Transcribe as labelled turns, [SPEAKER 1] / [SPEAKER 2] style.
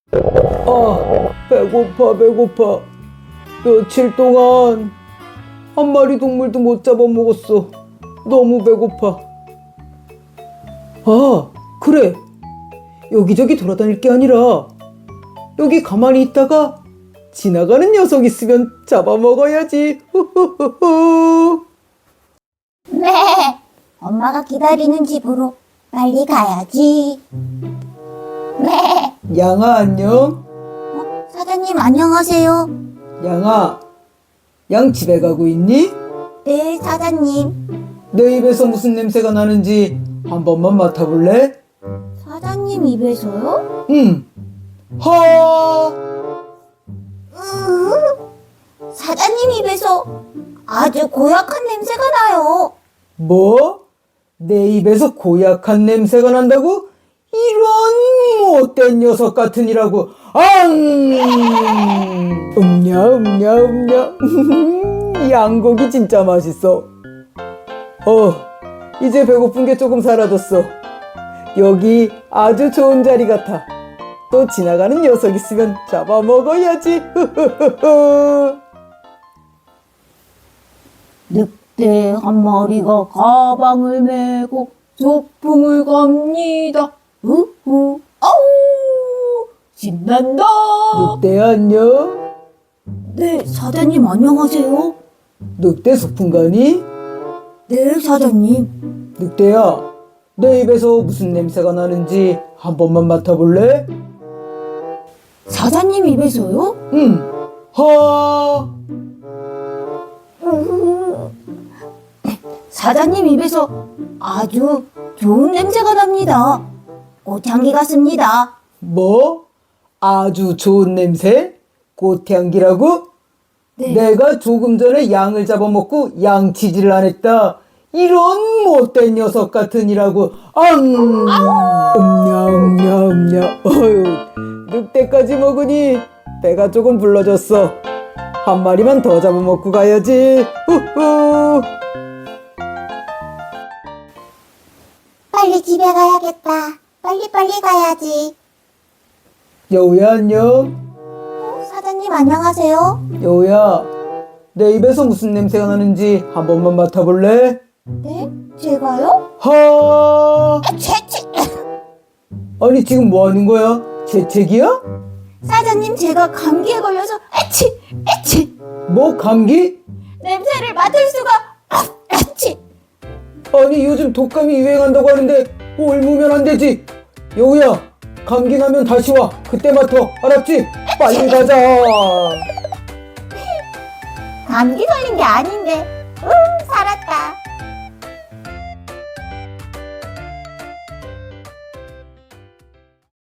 [SPEAKER 1] 배고파. 며칠 동안 한 마리 동물도 못 잡아먹었어. 너무 배고파. 그래. 여기저기 돌아다닐 게 아니라 여기 가만히 있다가 지나가는 녀석 있으면 잡아먹어야지. 후후후후.
[SPEAKER 2] 네, 엄마가 기다리는 집으로 빨리 가야지. 네,
[SPEAKER 1] 양아, 안녕.
[SPEAKER 2] 사장님 안녕하세요.
[SPEAKER 1] 양아, 양 집에 가고 있니?
[SPEAKER 2] 네, 사장님.
[SPEAKER 1] 내 입에서 무슨 냄새가 나는지 한 번만 맡아볼래?
[SPEAKER 2] 사장님 입에서요?
[SPEAKER 1] 응.
[SPEAKER 2] 사장님 입에서 아주 고약한 냄새가 나요.
[SPEAKER 1] 뭐? 내 입에서 고약한 냄새가 난다고? 이런 못된 녀석 같으니라고. 음냐. 양고기 진짜 맛있어. 이제 배고픈 게 조금 사라졌어. 여기 아주 좋은 자리 같아. 또 지나가는 녀석 있으면 잡아먹어야지.
[SPEAKER 2] 늑대 한 마리가 가방을 메고 소풍을 갑니다. 우후, 아우, 신난다.
[SPEAKER 1] 늑대 안녕?
[SPEAKER 2] 네, 사장님 안녕하세요.
[SPEAKER 1] 늑대 소풍 가니?
[SPEAKER 2] 네, 사장님.
[SPEAKER 1] 늑대야, 내 입에서 무슨 냄새가 나는지 한 번만 맡아볼래?
[SPEAKER 2] 사장님 입에서요?
[SPEAKER 1] 응.
[SPEAKER 2] 사장님 입에서 아주 좋은 냄새가 납니다. 꽃향기 같습니다.
[SPEAKER 1] 뭐? 아주 좋은 냄새? 꽃향기라고?
[SPEAKER 2] 네.
[SPEAKER 1] 내가 조금 전에 양을 잡아먹고 양치질을 안 했다. 이런 못된 녀석 같으니라고. 음냐. 어휴, 늑대까지 먹으니 배가 조금 불러졌어. 한 마리만 더 잡아먹고 가야지. 후후.
[SPEAKER 2] 빨리 집에 가야겠다. 빨리 가야지.
[SPEAKER 1] 여우야 안녕.
[SPEAKER 2] 사장님 안녕하세요.
[SPEAKER 1] 여우야, 내 입에서 무슨 냄새가 나는지 한 번만 맡아볼래?
[SPEAKER 2] 네? 제가요? 채채.
[SPEAKER 1] 아니 지금 뭐 하는 거야? 재채기야?
[SPEAKER 2] 사장님 제가 감기에 걸려서 애치.
[SPEAKER 1] 뭐 감기?
[SPEAKER 2] 냄새를 맡을 수가 애치.
[SPEAKER 1] 아니 요즘 독감이 유행한다고 하는데 옮으면 안 되지. 여우야, 감기 나면 다시 와. 그때 맡아. 알았지? 빨리 가자.
[SPEAKER 2] 감기 걸린 게 아닌데. 살았다.